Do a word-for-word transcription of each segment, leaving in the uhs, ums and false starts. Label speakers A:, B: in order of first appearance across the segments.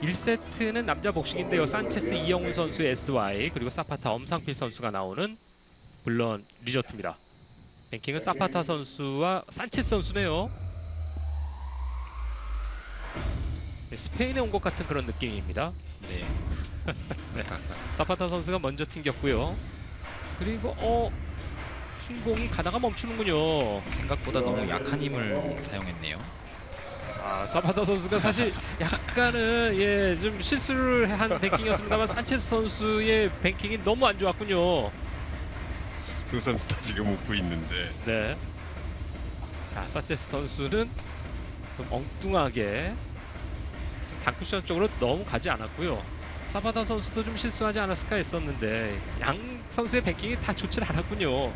A: 일 세트는 남자 복식인데요. 산체스 이영훈 선수의 에스와이 그리고 사파타 엄상필 선수가 나오는 물론 리조트입니다. 뱅킹은 사파타 선수와 산체스 선수네요. 스페인에 온 것 같은 그런 느낌입니다.
B: 네.
A: 네. 사파타 선수가 먼저 튕겼고요. 그리고 어 흰 공이 가다가 멈추는군요.
B: 생각보다 너무 약한 힘을 사용했네요.
A: 아, 사파타 선수가 사실 약간은 예, 좀 실수를 한 뱅킹이었습니다만 산체스 선수의 뱅킹이 너무 안 좋았군요.
C: 두 선수 다 지금 웃고 있는데
A: 네. 자, 산체스 선수는 좀 엉뚱하게 좀 단쿠션 쪽으로 너무 가지 않았고요. 사파타 선수도 좀 실수하지 않았을까 했었는데 양 선수의 뱅킹이 다 좋지 않았군요.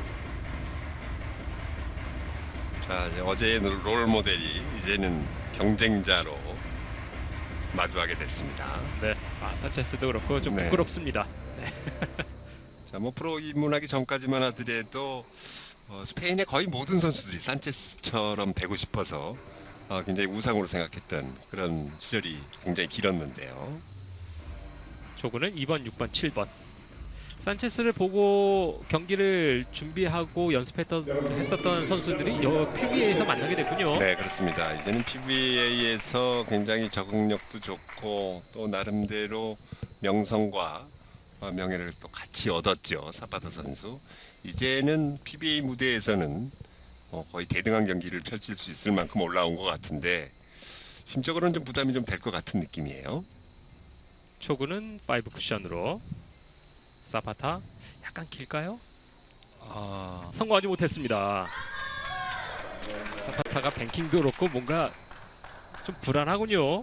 C: 자, 이제 어제의 롤 모델이 이제는 경쟁자로 마주하게 됐습니다.
A: 네. 아, 산체스도 그렇고 좀
C: 네.
A: 부끄럽습니다.
C: 자, 뭐 프로 입문하기 전까지만 하더라도 어, 스페인의 거의 모든 선수들이 산체스처럼 되고 싶어서 어, 굉장히 우상으로 생각했던 그런 시절이 굉장히 길었는데요.
A: 조구는 이 번, 육 번, 칠 번. 산체스를 보고 경기를 준비하고 연습했던 했었던 선수들이 여 피비에이에서 만나게 됐군요.
C: 네, 그렇습니다. 이제는 피비에이에서 굉장히 적응력도 좋고 또 나름대로 명성과 어, 명예를 또 같이 얻었죠. 사파타 선수. 이제는 피비에이 무대에서는 어, 거의 대등한 경기를 펼칠 수 있을 만큼 올라온 것 같은데 심적으로는 좀 부담이 좀 될 것 같은 느낌이에요.
A: 초구는 파이브 쿠션으로. 사파타 약간 길까요?
B: 아,
A: 성공하지 못했습니다. 사파타가 뱅킹도 그렇고 뭔가 좀 불안하군요.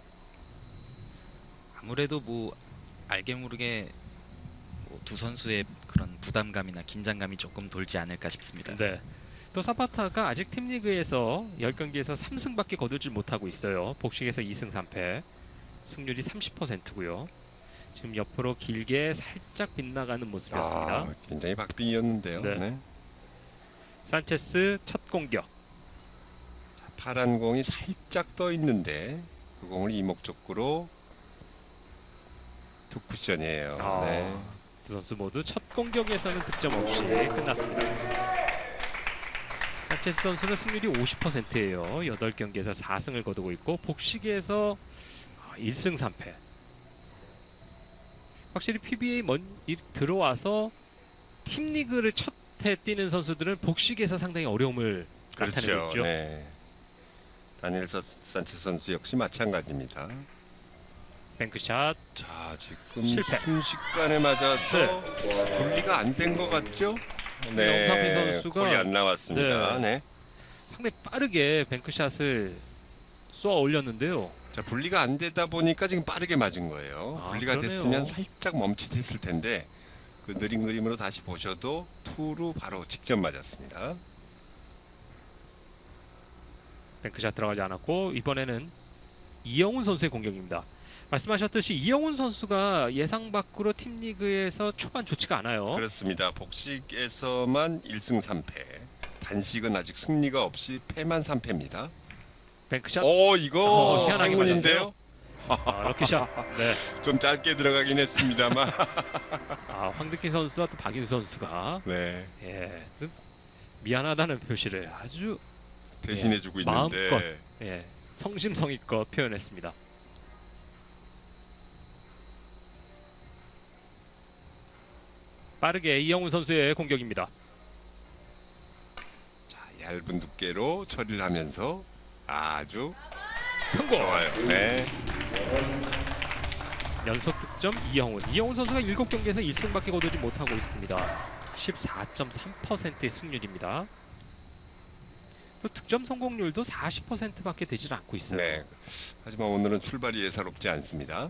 B: 아무래도 뭐 알게 모르게 뭐 두 선수의 그런 부담감이나 긴장감이 조금 돌지 않을까 싶습니다.
A: 네. 또 사파타가 아직 팀리그에서 십 경기에서 삼 승밖에 거두지 못하고 있어요. 복식에서 이 승 삼 패. 승률이 삼십 퍼센트고요. 지금 옆으로 길게 살짝 빗나가는 모습이었습니다.
C: 아, 굉장히 박빙이었는데요.
A: 네.
C: 네.
A: 산체스 첫 공격.
C: 자, 파란 공이 살짝 떠 있는데 그 공을 이목적으로 두 쿠션이에요.
A: 아,
C: 네.
A: 두 선수 모두 첫 공격에서는 득점 없이 끝났습니다. 산체스 선수는 승률이 오십 퍼센트예요. 여덟 경기에서 사 승을 거두고 있고 복식에서 일 승 삼 패. 확실히 피비에이 먼 이- 들어와서 팀 리그를 첫 해 뛰는 선수들은 복식에서 상당히 어려움을 나타내고
C: 그렇죠.
A: 있죠.
C: 네. 다니엘 서- 산체스 선수 역시 마찬가지입니다.
A: 뱅크샷.
C: 자, 지금
A: 실패.
C: 순식간에 맞아서 분리가 안 된 것 같죠? 네,
A: 엄상필 선수가-
C: 골이 안 나왔습니다. 네.
A: 상당히 빠르게 뱅크샷을 쏘아 올렸는데요.
C: 자, 분리가 안 되다 보니까 지금 빠르게 맞은 거예요.
A: 아,
C: 분리가
A: 그러네요.
C: 됐으면 살짝 멈칫했을 텐데 그 느린 그림으로 다시 보셔도 투로 바로 직접 맞았습니다.
A: 뱅크샷 들어가지 않았고 이번에는 이영훈 선수의 공격입니다. 말씀하셨듯이 이영훈 선수가 예상 밖으로 팀 리그에서 초반 좋지가 않아요.
C: 그렇습니다. 복식에서만 일 승 삼 패. 단식은 아직 승리가 없이 패만 삼 패입니다.
A: 뱅크샷.
C: 오, 이거
A: 어, 희한하게
C: 행운인데요.
A: 아, 럭키샷. 네.
C: 좀 짧게 들어가긴 했습니다만.
A: 아, 황득희 선수와 또 박인수 선수가
C: 네.
A: 예, 좀 미안하다는 표시를 아주
C: 대신해주고
A: 예,
C: 있는데
A: 마음껏. 예, 성심성의껏 표현했습니다. 빠르게 이영훈 선수의 공격입니다.
C: 자, 얇은 두께로 처리를 하면서 아주
A: 성공.
C: 좋아요. 네.
A: 연속 득점 이영훈. 이영훈 선수가 일곱 경기에서 일 승밖에 거두지 못하고 있습니다. 십사 점 삼 퍼센트의 승률입니다. 또 득점 성공률도 사십 퍼센트밖에 되질 않고 있어요.
C: 네. 하지만 오늘은 출발이 예사롭지 않습니다.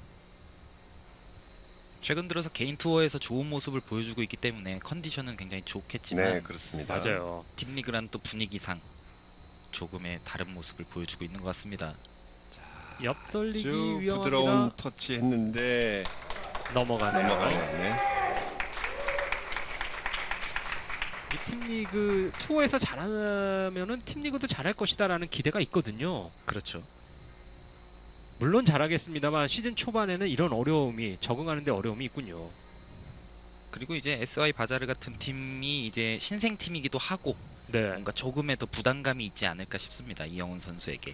B: 최근 들어서 개인 투어에서 좋은 모습을 보여주고 있기 때문에 컨디션은 굉장히 좋겠지만
C: 네, 그렇습니다.
A: 맞아요.
B: 팀 리그란 또 분위기상 조금의 다른 모습을 보여주고 있는 것 같습니다.
A: 옆 돌리기
C: 아주
A: 위험합니다.
C: 부드러운 터치 했는데
A: 넘어가네요.
C: 넘어가네요. 네.
A: 이 팀리그 투어에서 잘하면은 팀리그도 잘할 것이다라는 기대가 있거든요.
B: 그렇죠.
A: 물론 잘하겠습니다만 시즌 초반에는 이런 어려움이 적응하는데 어려움이 있군요.
B: 그리고 이제 에스와이 바자르 같은 팀이 이제 신생 팀이기도 하고
A: 네.
B: 뭔가 조금의 더 부담감이 있지 않을까 싶습니다. 이영훈 선수에게.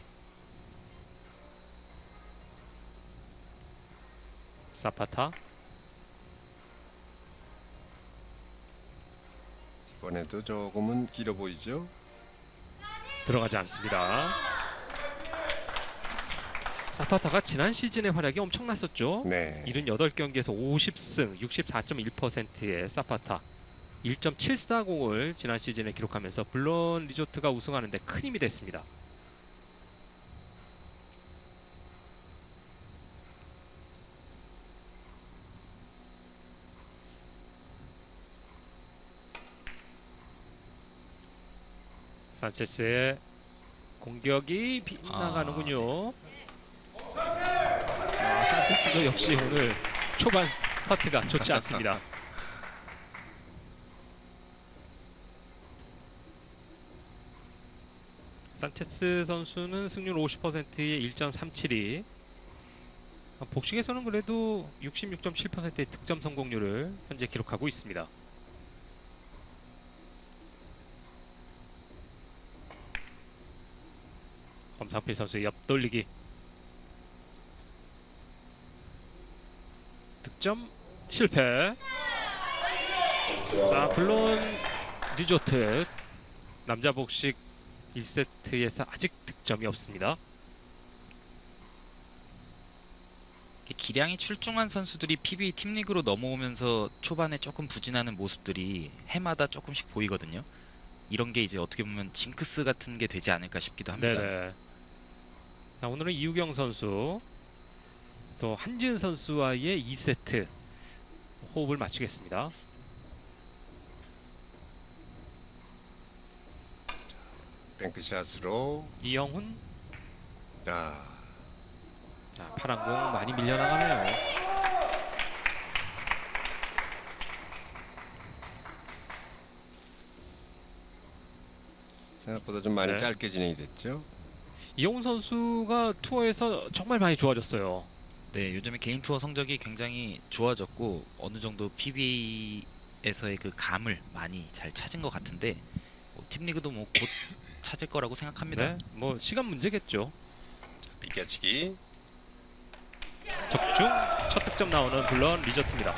A: 사파타
C: 이번에도 조금은 길어 보이죠.
A: 들어가지 않습니다. 사파타가 지난 시즌의 활약이 엄청났었죠.
C: 네.
A: 칠십팔 경기에서 오십 승 육십사 점 일 퍼센트의 사파타 일 점 칠사공을 지난 시즌에 기록하면서 블론 리조트가 우승하는 데 큰 힘이 됐습니다. 산체스의 공격이 빗나가는군요. 아, 산체스도 역시 오늘 초반 스타트가 좋지 않습니다. 산체스 선수는 승률 오십 퍼센트에 일 점 삼칠이, 복식에서는 그래도 육십육 점 칠 퍼센트의 득점 성공률을 현재 기록하고 있습니다. 엄상필 선수의 옆돌리기, 득점 실패. 자, 블론 리조트 남자 복식 일 세트에서 아직 득점이 없습니다.
B: 기량이 출중한 선수들이 피비에이 팀리그로 넘어오면서 초반에 조금 부진하는 모습들이 해마다 조금씩 보이거든요. 이런 게 이제 어떻게 보면 징크스 같은 게 되지 않을까 싶기도 합니다.
A: 네네. 자, 오늘은 이우경 선수 또 한지은 선수와의 이 세트 호흡을 맞추겠습니다.
C: 뱅크샷으로.
A: 이영훈,
C: 자,
A: 자, 파란 공 많이 밀려나가네요.
C: 생각보다 좀 많이
A: 네.
C: 짧게 진행이 됐죠.
A: 이영훈 선수가 투어에서 정말 많이 좋아졌어요.
B: 네, 요즘에 개인 투어 성적이 굉장히 좋아졌고 어느 정도 피비에이에서의 그 감을 많이 잘 찾은 것 같은데 뭐 팀리그도 뭐 곧 찾을 거라고 생각합니다.
A: 네, 뭐 시간 문제겠죠.
C: 비껴치기.
A: 적중 첫 득점 나오는 블런 리조트입니다.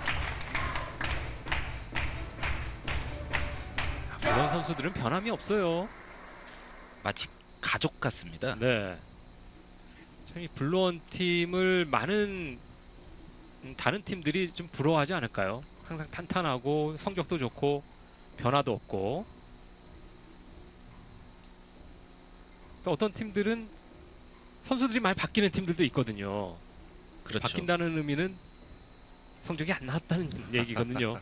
A: 블런 선수들은 변함이 없어요.
B: 마치 가족 같습니다.
A: 네. 참 이 블론 팀을 많은 음, 다른 팀들이 좀 부러워하지 않을까요? 항상 탄탄하고 성적도 좋고 변화도 없고, 또 어떤 팀들은 선수들이 많이 바뀌는 팀들도 있거든요.
B: 그렇죠.
A: 바뀐다는 의미는 성적이 안 나왔다는 얘기거든요.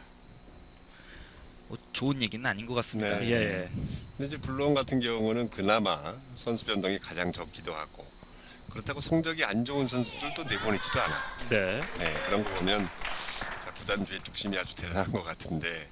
B: 뭐 좋은 얘기는 아닌 것 같습니다.
C: 네.
A: 예.
C: 근데 이제 블론 같은 경우는 그나마 선수 변동이 가장 적기도 하고, 그렇다고 성적이 안 좋은 선수들도 내보내지도 않아.
A: 네.
C: 네, 그런 거 보면 자, 구단주의 뚝심이 아주 대단한 것 같은데.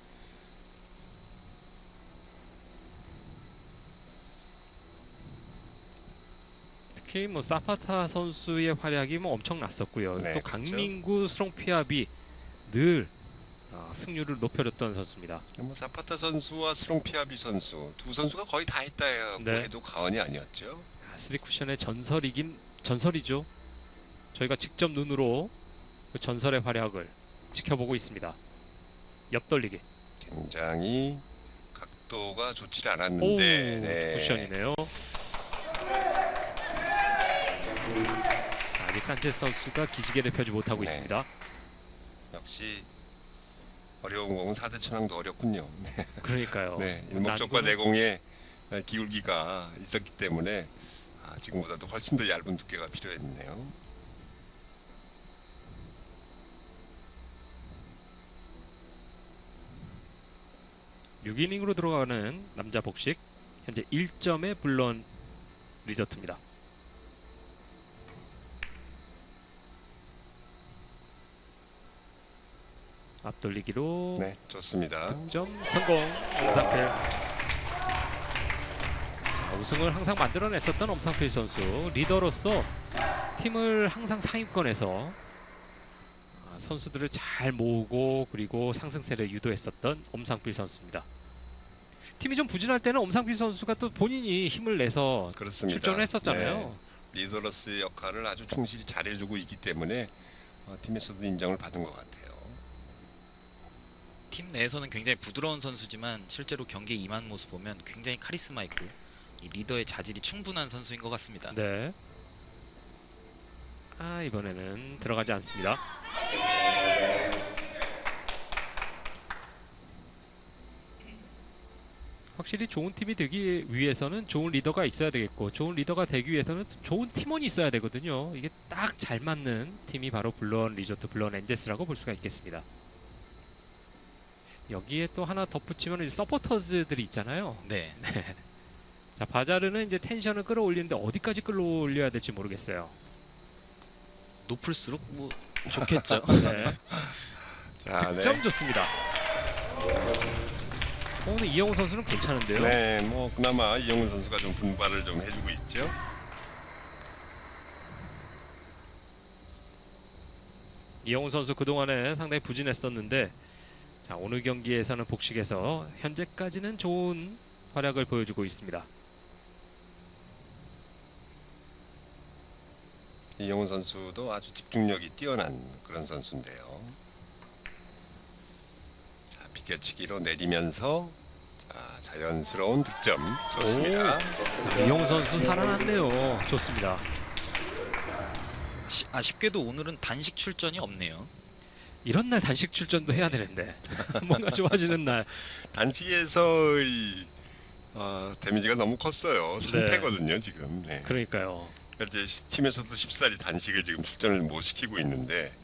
A: 특히 뭐 사파타 선수의 활약이 뭐 엄청났었고요.
C: 네,
A: 또
C: 그렇죠.
A: 강민구, 스롱피압이 늘 어, 승률을 높여줬던 선수입니다.
C: 뭐 사파타 선수와 스롱피아비 선수 두 선수가 거의 다 했다고
A: 네.
C: 해도 과언이 아니었죠.
A: 아, 쓰리쿠션의 전설이긴 전설이죠. 저희가 직접 눈으로 그 전설의 활약을 지켜보고 있습니다. 옆돌리기.
C: 굉장히 각도가 좋지
A: 오,
C: 않았는데 네.
A: 쿠션이네요. 아직 산체스 선수가 기지개를 펴지 못하고
C: 네.
A: 있습니다.
C: 역시 어려운 공은 사 대 천왕도 어렵군요. 네,
A: 그러니까요.
C: 네, 일목적과
A: 난구는-
C: 내공의 기울기가 있었기 때문에 아, 지금보다도 훨씬 더 얇은 두께가 필요했네요.
A: 육 이닝으로 들어가는 남자 복식, 현재 일 점의 블론 리조트입니다. 앞돌리기로
C: 네, 좋습니다.
A: 득점 성공. 엄상필. 자, 우승을 항상 만들어냈었던 엄상필 선수, 리더로서 팀을 항상 상위권에서 아, 선수들을 잘 모으고 그리고 상승세를 유도했었던 엄상필 선수입니다. 팀이 좀 부진할 때는 엄상필 선수가 또 본인이 힘을 내서
C: 그렇습니다.
A: 출전을 했었잖아요.
C: 네. 리더로서의 역할을 아주 충실히 잘해주고 있기 때문에 어, 팀에서도 인정을 받은 것 같아요.
B: 팀 내에서는 굉장히 부드러운 선수지만 실제로 경기에 임하는 모습 보면 굉장히 카리스마 있고 이 리더의 자질이 충분한 선수인 것 같습니다.
A: 네. 아 이번에는 들어가지 않습니다. 확실히 좋은 팀이 되기 위해서는 좋은 리더가 있어야 되겠고 좋은 리더가 되기 위해서는 좋은 팀원이 있어야 되거든요. 이게 딱 잘 맞는 팀이 바로 블루언 리조트 블루언 엔젤스라고 볼 수가 있겠습니다. 여기에 또 하나 덧붙이면 이제 서포터즈들이 있잖아요.
B: 네.
A: 자 바자르는 이제 텐션을 끌어올리는데 어디까지 끌어올려야 될지 모르겠어요.
B: 높을수록 뭐 좋겠죠.
A: 네.
C: 자,
A: 득점
C: 네.
A: 좋습니다. 오늘 이영호 선수는 괜찮은데요.
C: 네, 뭐 그나마 이영훈 선수가 좀 분발을 좀 해주고 있죠.
A: 이영호 선수 그동안에 상당히 부진했었는데 자 오늘 경기에서는 복식에서 현재까지는 좋은 활약을 보여주고 있습니다.
C: 이영훈 선수도 아주 집중력이 뛰어난 그런 선수인데요. 자, 비껴치기로 내리면서 자, 자연스러운 득점 좋습니다.
A: 이영호 선수 살아났네요. 좋습니다.
B: 시- 아쉽게도 오늘은 단식 출전이 없네요.
A: 이런 날 단식 출전도 해야 되는데 뭔가 좋아지는 날.
C: 단식에서의 어, 데미지가 너무 컸어요. 상패거든요 지금. 네.
A: 그러니까요.
C: 그러니까 이제 시- 팀에서도 쉽사리 단식을 지금 출전을 못 시키고 있는데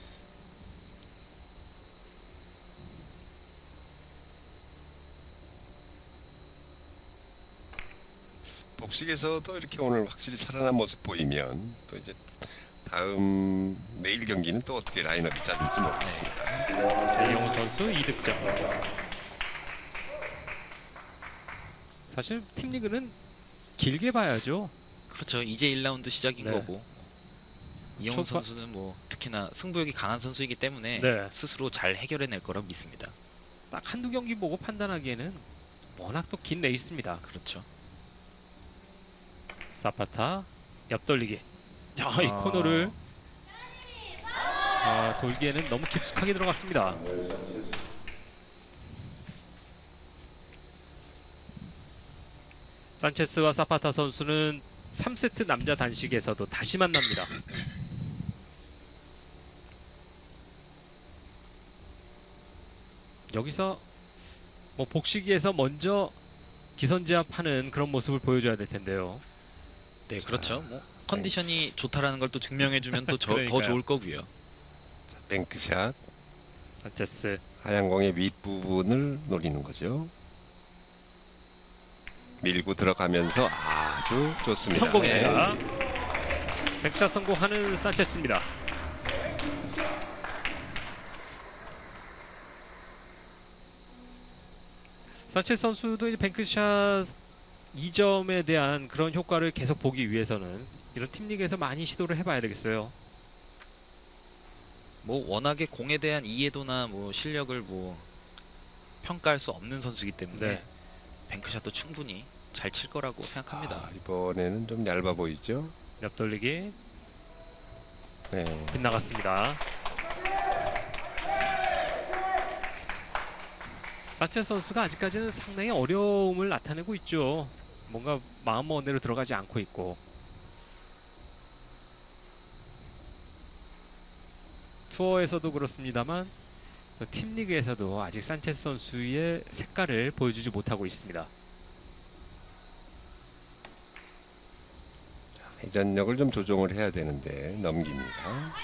C: 복식에서도 이렇게 오늘 확실히 살아난 모습 보이면 또 이제 다음 내일 경기는 또 어떻게 라인업이 짜질지 모르겠습니다.
A: 이영호 선수 이 득점. 사실 팀 리그는 길게 봐야죠.
B: 그렇죠. 이제 일 라운드 시작인
A: 네.
B: 거고 이영훈
A: 초반-
B: 선수는 뭐 특히나 승부욕이 강한 선수이기 때문에
A: 네.
B: 스스로 잘 해결해낼 거라 믿습니다.
A: 딱 한두 경기 보고 판단하기에는 워낙 또 긴 레이스입니다.
B: 그렇죠.
A: 사파타 옆돌리기. 자, 이
B: 아.
A: 코너를 아, 돌기에는 너무 깊숙하게 들어갔습니다. 산체스와 사파타 선수는 삼 세트 남자 단식에서도 다시 만납니다. 여기서 뭐 복식에서 먼저 기선제압하는 그런 모습을 보여줘야 될 텐데요.
B: 네, 그렇죠. 뭐 컨디션이 좋다라는 걸 또 증명해주면 또 더
A: 그러니까요.
B: 좋을 거고요.
C: 뱅크샷
A: 산체스
C: 하얀 공의 윗부분을 노리는 거죠. 밀고 들어가면서 아주 좋습니다.
A: 성공입니다. 백샷 성공하는 산체스입니다. 산체스 선수도 이제 뱅크샷 이 점에 대한 그런 효과를 계속 보기 위해서는 이런 팀리그에서 많이 시도를 해봐야 되겠어요.
B: 뭐 워낙에 공에 대한 이해도나 뭐 실력을 뭐 평가할 수 없는 선수이기 때문에
A: 네.
B: 뱅크샷도 충분히 잘 칠 거라고 생각합니다.
C: 아, 이번에는 좀 얇아 보이죠.
A: 옆돌리기
C: 네.
A: 빗나갔습니다. 산체스 선수가 아직까지는 상당히 어려움을 나타내고 있죠. 뭔가 마음먹은 대로 들어가지 않고 있고 투어에서도 그렇습니다만 또 팀리그에서도 아직 산체스 선수의 색깔을 보여주지 못하고 있습니다.
C: 회전력을 좀 조정을 해야 되는데 넘깁니다.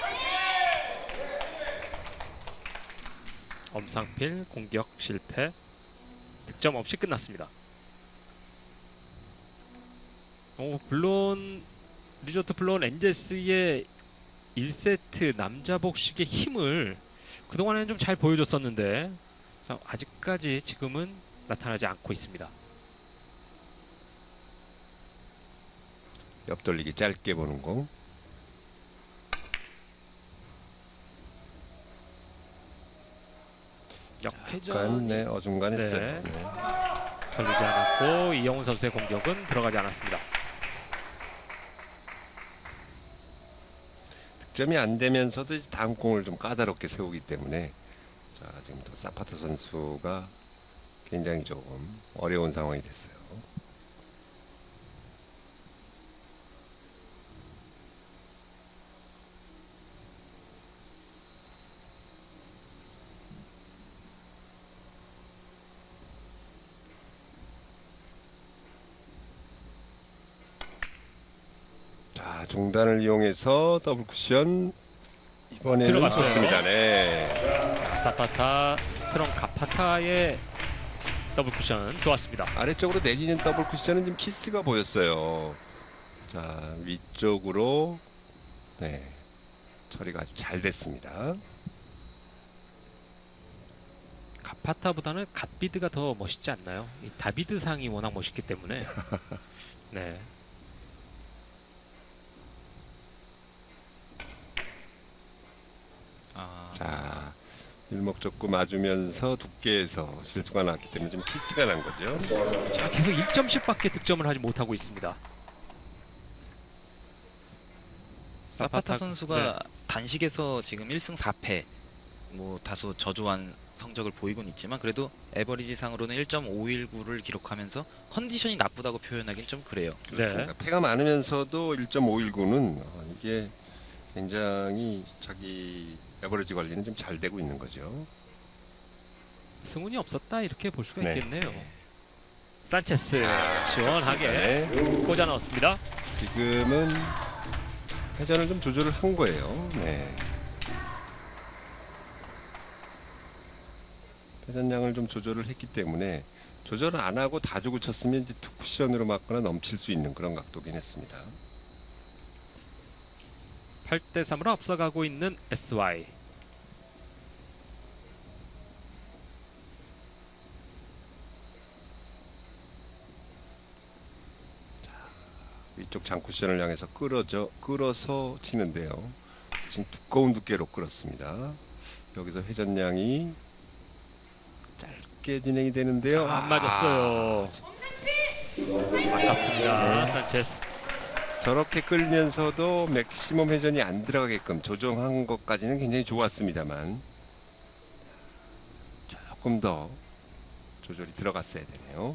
A: 엄상필 공격 실패, 득점 없이 끝났습니다. 오, 물론 리조트 블루언 엔젤스의 일 세트 남자 복식의 힘을 그동안에는 좀 잘 보여줬었는데 자, 아직까지 지금은 나타나지 않고 있습니다.
C: 옆돌리기 짧게 보는 공.
A: 역회전
C: 약간 네, 어중간했어요.
A: 네.
C: 네.
A: 걸리지 않았고 이영훈 선수의 공격은 들어가지 않았습니다.
C: 득점이 안 되면서도 이제 다음 공을 좀 까다롭게 세우기 때문에 자 지금 또 사파타 선수가 굉장히 조금 어려운 상황이 됐어요. 자 중단을 이용해서 더블 쿠션 이번에는
A: 들어갔어요.
C: 좋습니다. 네.
A: 사파타 스트롱 가파타의 더블 쿠션 좋았습니다.
C: 아래쪽으로 내리는 더블 쿠션은 좀 키스가 보였어요. 자 위쪽으로 네 처리가 아주 잘 됐습니다.
A: 가파타보다는 갓비드가 더 멋있지 않나요? 이 다비드 상이 워낙 멋있기 때문에. 네.
B: 아,
C: 자 일목적구 맞으면서 두께에서 실수가 났기 때문에 좀 키스가 난 거죠.
A: 자, 계속 일 점씩밖에 득점을 하지 못하고 있습니다.
B: 사파타
A: 사파타-
B: 선수가
A: 네.
B: 단식에서 지금 일 승 사 패, 뭐 다소 저조한 성적을 보이곤 있지만 그래도 에버리지상으로는 일 점 오일구를 기록하면서 컨디션이 나쁘다고 표현하기는 좀 그래요.
C: 그렇습니다.
A: 네.
C: 패가 많으면서도 일 점 오일구는 어, 이게 굉장히 자기 에버리지 관리는 좀 잘 되고 있는 거죠.
A: 승운이 없었다 이렇게 볼 수가
C: 네.
A: 있겠네요. 산체스
C: 자,
A: 시원하게
C: 좋습니다. 네.
A: 꽂아 넣었습니다.
C: 지금은 회전을 좀 조절을 한 거예요. 네. 회전량을 좀 조절을 했기 때문에 조절을 안 하고 다 주고 쳤으면 이제 투 쿠션으로 맞거나 넘칠 수 있는 그런 각도긴 했습니다.
A: 팔 대 삼으로 앞서가고 있는 에스와이.
C: 위쪽 장쿠션을 향해서 끌어져 끌어서 치는데요. 대신 두꺼운 두께로 끌었습니다. 여기서 회전량이 짧게 진행이 되는데요.
A: 아, 안 맞았어요. 아깝습니다. 산체스.
C: 저렇게 끌면서도 맥시멈 회전이 안 들어가게끔 조정한 것까지는 굉장히 좋았습니다만 조금 더 조절이 들어갔어야 되네요.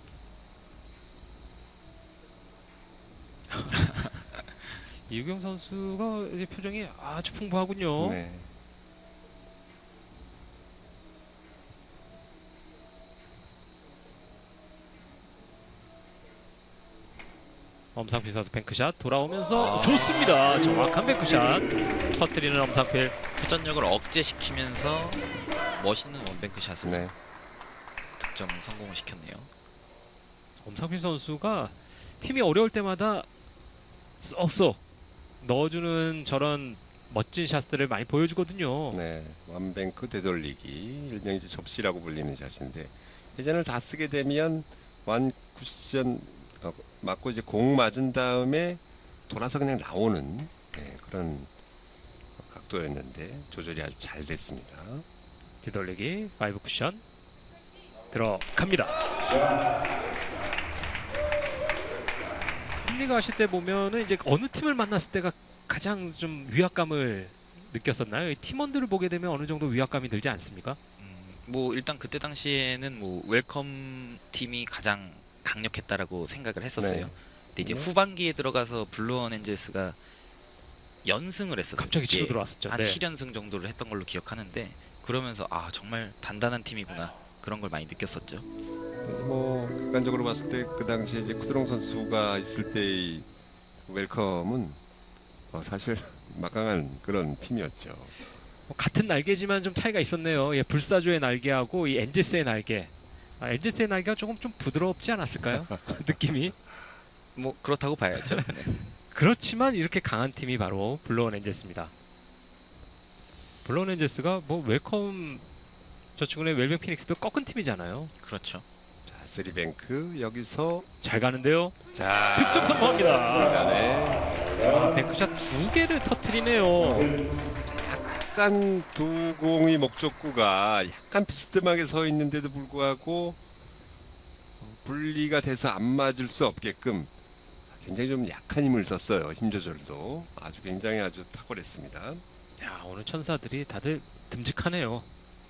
A: 이우경 선수가 이제 표정이 아주 풍부하군요.
C: 네.
A: 엄상필 선수 뱅크샷 돌아오면서
B: 아.
A: 좋습니다. 정확한 뱅크샷 터뜨리는 엄상필.
B: 회전력을 억제시키면서 멋있는 원뱅크 샷으로
C: 네.
B: 득점 성공을 시켰네요.
A: 엄상필 선수가 팀이 어려울 때마다 쏙쏙 넣어주는 저런 멋진 샷들을 많이 보여주거든요.
C: 네, 완뱅크 되돌리기, 일명 이제 접시라고 불리는 샷인데 회전을 다 쓰게 되면 완 쿠션 어, 맞고 이제 공 맞은 다음에 돌아서 그냥 나오는 네, 그런 각도였는데 조절이 아주 잘 됐습니다.
A: 뒤돌리기 파이브 쿠션 들어갑니다. 팀리그 하실 때 보면은 이제 어느 팀을 만났을 때가 가장 좀 위압감을 느꼈었나요? 이 팀원들을 보게 되면 어느 정도 위압감이 들지 않습니까?
B: 음, 뭐 일단 그때 당시에는 뭐 웰컴 팀이 가장 강력했다라고 생각을 했었어요.
C: 네.
B: 근데 이제
C: 네.
B: 후반기에 들어가서 블루원 엔젤스가 연승을 했었어요.
A: 갑자기 치고
B: 예,
A: 들어왔었죠.
B: 한
A: 네.
B: 칠 연승 정도를 했던 걸로 기억하는데 그러면서 아 정말 단단한 팀이구나 그런 걸 많이 느꼈었죠.
C: 뭐 객관적으로 봤을 때 그 당시에 이제 쿠드롱 선수가 있을 때의 웰컴은 어, 사실 막강한 그런 팀이었죠.
A: 뭐 같은 날개지만 좀 차이가 있었네요. 예, 불사조의 날개하고 이 엔젤스의 날개. 아, 엔젤스의 날개가 조금 좀 부드럽지 않았을까요? 느낌이.
B: 뭐 그렇다고 봐야죠. 네.
A: 그렇지만 이렇게 강한 팀이 바로 블루온 엔젤스입니다. 블루온 엔젤스가 뭐 웰컴 저 친구네 웰뱅 피닉스도 꺾은 팀이잖아요.
B: 그렇죠.
C: 자, 쓰리뱅크 여기서
A: 잘 가는데요.
C: 자
A: 득점 성공합니다.
C: 네.
A: 아, 뱅크샷 두 개를 터트리네요.
C: 약간 두 공이 목적구가 약간 비스듬하게 서 있는데도 불구하고 분리가 돼서 안 맞을 수 없게끔 굉장히 좀 약한 힘을 썼어요. 힘 조절도 아주 굉장히 아주 탁월했습니다.
A: 야, 오늘 천사들이 다들 듬직하네요.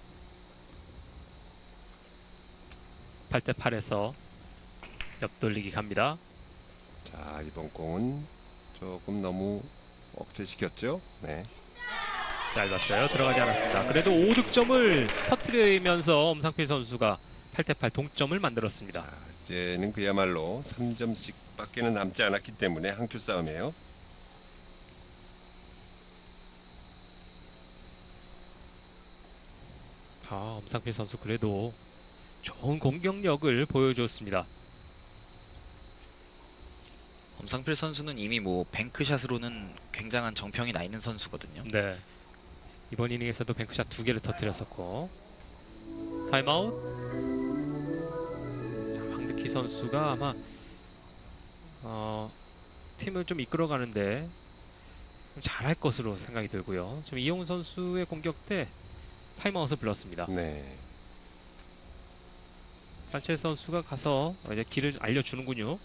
A: 팔 대 팔에서 옆돌리기 갑니다.
C: 자, 이번 공은 조금 너무 억제시켰죠. 네.
A: 짧았어요. 들어가지 않았습니다. 그래도 오 득점을 터뜨리면서 엄상필 선수가 팔 대 팔 동점을 만들었습니다.
C: 자, 이제는 그야말로 삼 점씩밖에는 남지 않았기 때문에 한 큐 싸움이에요.
A: 아, 엄상필 선수 그래도 좋은 공격력을 보여줬습니다.
B: 엄상필 선수는 이미 뭐 뱅크샷으로는 굉장한 정평이 나 있는 선수거든요.
A: 네. 이번 이닝에서도 뱅크샷 두 개를 터뜨렸었고 타임아웃. 자, 황득희 선수가 아마 어, 팀을 좀 이끌어가는데 좀 잘할 것으로 생각이 들고요. 지금 이용훈 선수의 공격 때 타임아웃을 불렀습니다.
C: 네.
A: 산체스 선수가 가서 이제 길을 알려주는군요.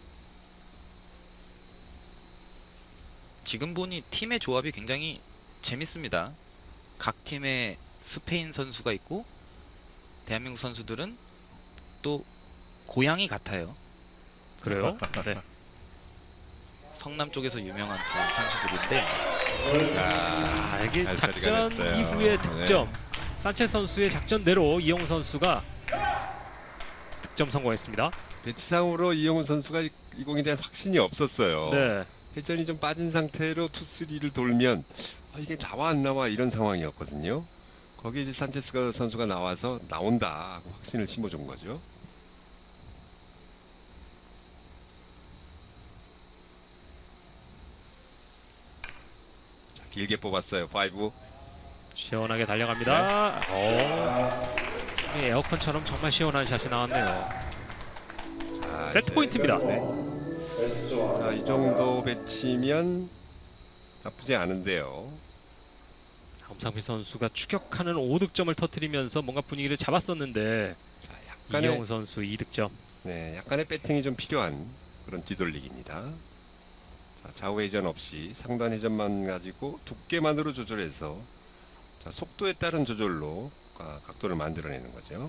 B: 지금 보니 팀의 조합이 굉장히 재밌습니다. 각 팀에 스페인 선수가 있고 대한민국 선수들은 또 고향이 같아요.
A: 그래요? 네.
B: 성남 쪽에서 유명한 두 선수들인데
C: 자,
A: 아, 이게
C: 잘 처리가
A: 작전
C: 됐어요.
A: 이후의 득점.
C: 네.
A: 산체스 선수의 작전대로 이용훈 선수가 득점 성공했습니다.
C: 배치상으로 이용훈 선수가 이, 이 공에 대한 확신이 없었어요.
A: 네.
C: 회전이 좀 빠진 상태로 투, 쓰리를 돌면 아, 이게 나와 안 나와 이런 상황이었거든요. 거기에 이제 산체스 선수가 나와서 나온다 하고 확신을 심어준 거죠. 자, 길게 뽑았어요. 파이브.
A: 시원하게 달려갑니다. 오, 참, 이 에어컨처럼 정말 시원한 샷이 나왔네요.
C: 자,
A: 세트
C: 이제,
A: 포인트입니다.
C: 네. 자, 이 정도 배치면 나쁘지 않은데요.
A: 엄상필 선수가 추격하는 오 득점을 터뜨리면서 뭔가 분위기를 잡았었는데
C: 자, 약간의
A: 이용훈 선수 이 득점.
C: 네, 약간의 배팅이 좀 필요한 그런 뒤돌리기입니다. 자, 좌우 회전 없이 상단 회전만 가지고 두께만으로 조절해서 자, 속도에 따른 조절로 아, 각도를 만들어내는 거죠.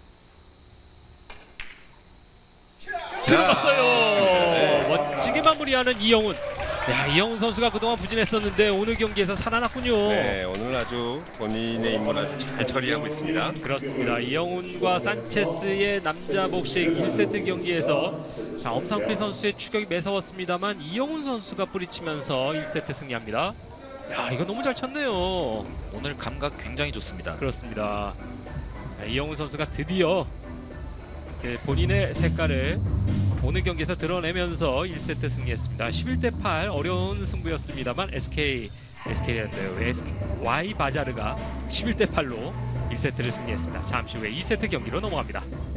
A: 들어갔어요.
C: 좋습니다. 네.
A: 멋지게 마무리하는 이영훈. 야, 이영훈 선수가 그동안 부진했었는데 오늘 경기에서 살아났군요.
C: 네, 오늘 아주 본인의 임무를 아주 잘 처리하고 있습니다.
A: 그렇습니다. 이영훈과 산체스의 남자 복식 일 세트 경기에서 자, 엄상필 선수의 추격이 매서웠습니다만 이영훈 선수가 뿌리치면서 일 세트 승리합니다. 야, 이거 너무 잘 쳤네요.
B: 오늘 감각 굉장히 좋습니다.
A: 그렇습니다. 자, 이영훈 선수가 드디어 그 본인의 색깔을 오늘 경기에서 드러내면서 일 세트 승리했습니다. 십일 대 팔 어려운 승부였습니다만 에스케이 에스케이였네요. 와이 바자르가 십일 대 팔로 일 세트를 승리했습니다. 잠시 후에 이 세트 경기로 넘어갑니다.